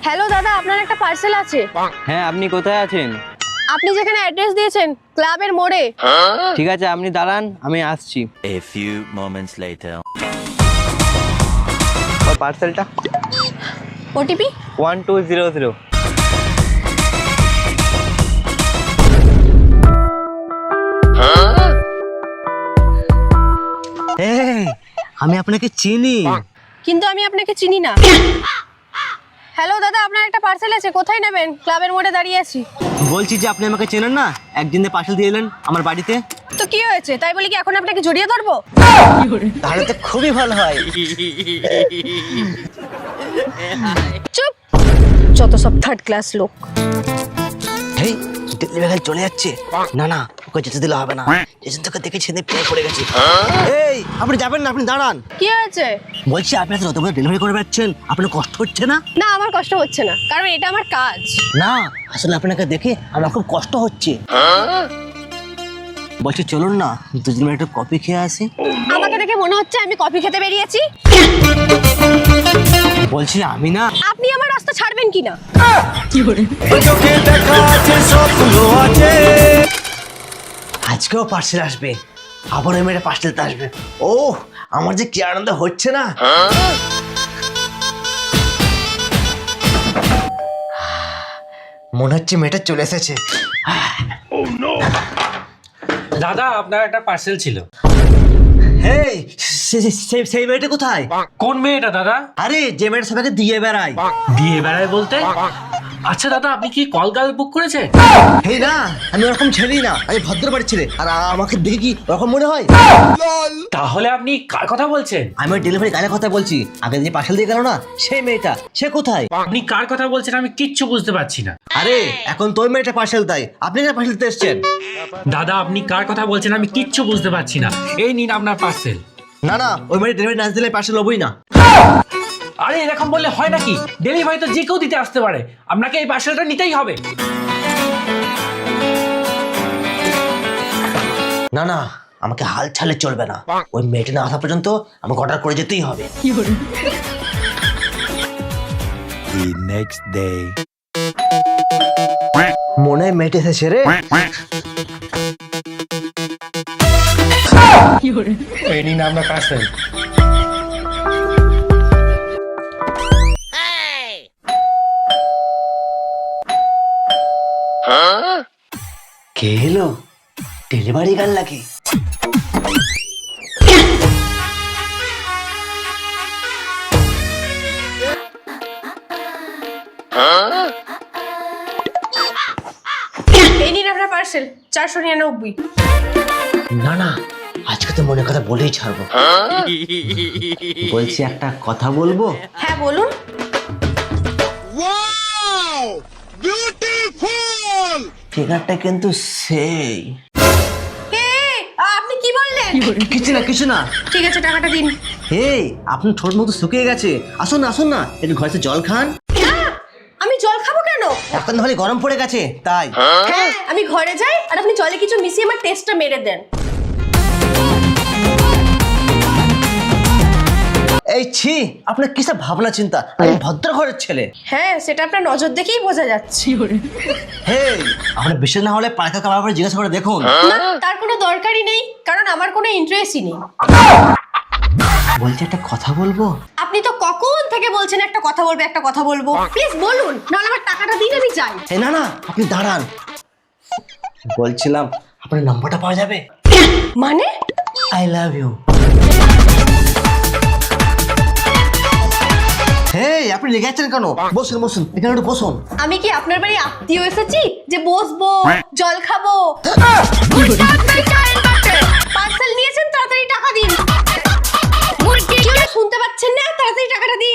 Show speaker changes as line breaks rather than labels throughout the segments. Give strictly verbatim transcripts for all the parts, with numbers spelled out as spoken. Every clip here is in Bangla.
হ্যালো দাদা, আপনার একটা পার্সেল আছে।
হ্যাঁ, আপনি কোথায় আছেন?
আপনি যেখানে অ্যাড্রেস দিয়েছেন ক্লাবের মোড়ে।
ঠিক আছে, আপনি দাঁড়ান, আমি আসছি।
A few moments later.
পার্সেলটা
OTP
one two zero zero.
এই, আমি আপনাকে চিনি।
কিন্তু আমি আপনাকে চিনি না। হ্যালো দাদা, আপনার একটা পার্সেল আছে, কোথায় নেবেন? ক্লাবের মোড়ে দাঁড়িয়ে আছি।
বলছি যে আপনি আমাকে চেনেন না, একদিন পার্সেল দিয়ে এলেন আমার বাড়িতে।
তো কি হয়েছে, তাই বলি কি এখন আপনাকে জড়িয়ে ধরবো?
তাহলে তো খুবই ভালো হয়।
চুপ, যত সব থার্ড ক্লাস লোক।
এই ডেলিভারি চলে যাচ্ছে। না না, ওকে যেতে দিলে হবে না, এজেন্ট তোকে দেখে ছেড়ে পেয়ে পড়ে গেছে। এই, আপনি যাবেন না, আপনি দাঁড়ান।
কি হয়েছে?
বলছি আপনি এত বড় ডেলিভারি করে বেড়াচ্ছেন, আপনার কষ্ট হচ্ছে না?
না, আমার কষ্ট হচ্ছে না, কারণ এটা আমার কাজ।
না, আসলে আপনাকে দেখে আমার খুব কষ্ট হচ্ছে। বলছি চলুন না, দুজন মিনিট একটু কফি খেয়ে আসি।
আমাকে দেখে মনে হচ্ছে আমি কফি খেতে বেরিয়েছি।
বলছি আমি না।
আপনি আমার রাস্তা ছাড়বেন কিনা?
আজকেও পার্সেল আসবে, আবার ওই মেয়েটা পার্সেলতে আসবে। ও, আমার যে কি আনন্দ হচ্ছে না। মনে হচ্ছে মেয়েটা চলে এসেছে।
দাদা, আপনার একটা পার্সেল ছিল।
এই, সে- সে- সে- সেই মেয়েটা কোথায়?
কোন মেয়েটা দাদা?
আরে যে মেয়েটা সবাইকে দিয়ে বেড়ায়।
দিয়ে বেড়ায় বলতে? আচ্ছা দাদা, আপনি কি কল গাল বুক করেছেন?
এই না, আমি ওরকম ছেলেই না, আমি ভদ্র বাড়ির ছেলে। আর আমাকে দেখে কি ওরকম মনে হয়?
তাহলে আপনি কার কথা বলছেন?
আমি ওই ডেলিভারি গায়ের কথা বলছি। আগে যে পার্সেল দিয়ে গেল না, সেই মেয়েটা, সে কোথায়?
আপনি কার কথা বলছেন আমি কিচ্ছু বুঝতে পারছি না।
আরে এখন তো ওই মেয়েটা পার্সেল দেয়, আপনি কেন পার্সেল দিতে এসছেন?
দাদা, আপনি কার কথা বলছেন আমি কিচ্ছু বুঝতে পারছি না। এই নিন আপনার পার্সেল।
না না, ওই মেয়েটা ডেলিভারি না দিলে পার্সেল হবই না।
আরে এরকম বললে হয় নাকি? ডেলিভারি তো যে কেউ দিতে আসতে পারে, আপনাকে এই পার্সেলটা নিতেই হবে।
না না, আমাকে হাল ছাড়লে চলবে না। ওই মেয়েটা না আসা পর্যন্ত আমাকে অর্ডার করে যেতেই হবে।
The next day.
মনে হয় মেয়েটা এসেছে রে।
এই নিন আপনার পার্সেল।
কে এলো? ডেলিভারি গার্ল নাকি?
এই নিন আপনার পার্সেল, চারশো নিরানব্বই।
না না, আজকে তো মনে কথা বলেই ছাড়বো। বলছি একটা কথা বলবো?
হ্যাঁ বলুন।
ফিগারটা কিন্তু সেই।
এই, আপনি কি বললেন?
কিছু না কিছু না।
ঠিক আছে, টাকাটা দিন।
এই, আপনার ঠোঁট মতো শুকিয়ে গেছে, আসুন না আসুন না, একটু ঘরে জল খান।
না, আমি জল খাবো কেন?
এখন তাহলে গরম পড়ে গেছে তাই।
হ্যাঁ, আমি ঘরে যাই আর আপনি জলে কিছু মিশিয়ে আমার টেস্টটা মেরে দেন।
এই ছি, আপনার কিসব ভাবনা চিন্তা, আমি ভদ্র ঘরের ছেলে।
হ্যাঁ, সেটা আপনার নজর দেখেই বোঝা যাচ্ছে।
হেই, আপনার বিশ্বাস না হলে পাড়াকে কাবার পরে জিজ্ঞাসা করে দেখুন।
না, তার কোনো দরকারই নেই, কারণ আমার কোনো ইন্টারেস্টই নেই।
বলছি একটা কথা বলবো?
আপনি তো কখন থেকে বলছেন একটা কথা বলবো একটা কথা বলবো, প্লিজ বলুন, নাহলে আমার টাকাটা দিন, আমি যাই।
এই না না, আপনি দাঁড়ান। বলছিলাম আপনার নাম্বারটা পাওয়া যাবে?
মানে?
I love you. হেই, আপনি রেগে যাচ্ছেন কেন? বসুন বসুন, এখানে একটু বসুন।
আমি কি আপনার বাড়ি আত্মীয় এসেছি যে বসবো, জল খাবো? পার্সেল নিয়েছেন, তাড়াতাড়ি টাকা দিন। কি হলো, শুনতে পাচ্ছেন না? তাড়াতাড়ি টাকাটা দিন।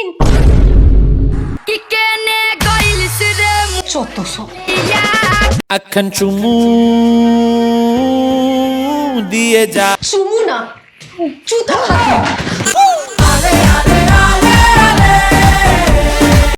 চত্ব সব।
আখান চুমু দিয়ে যা
চুমু না, জুতা খাবো।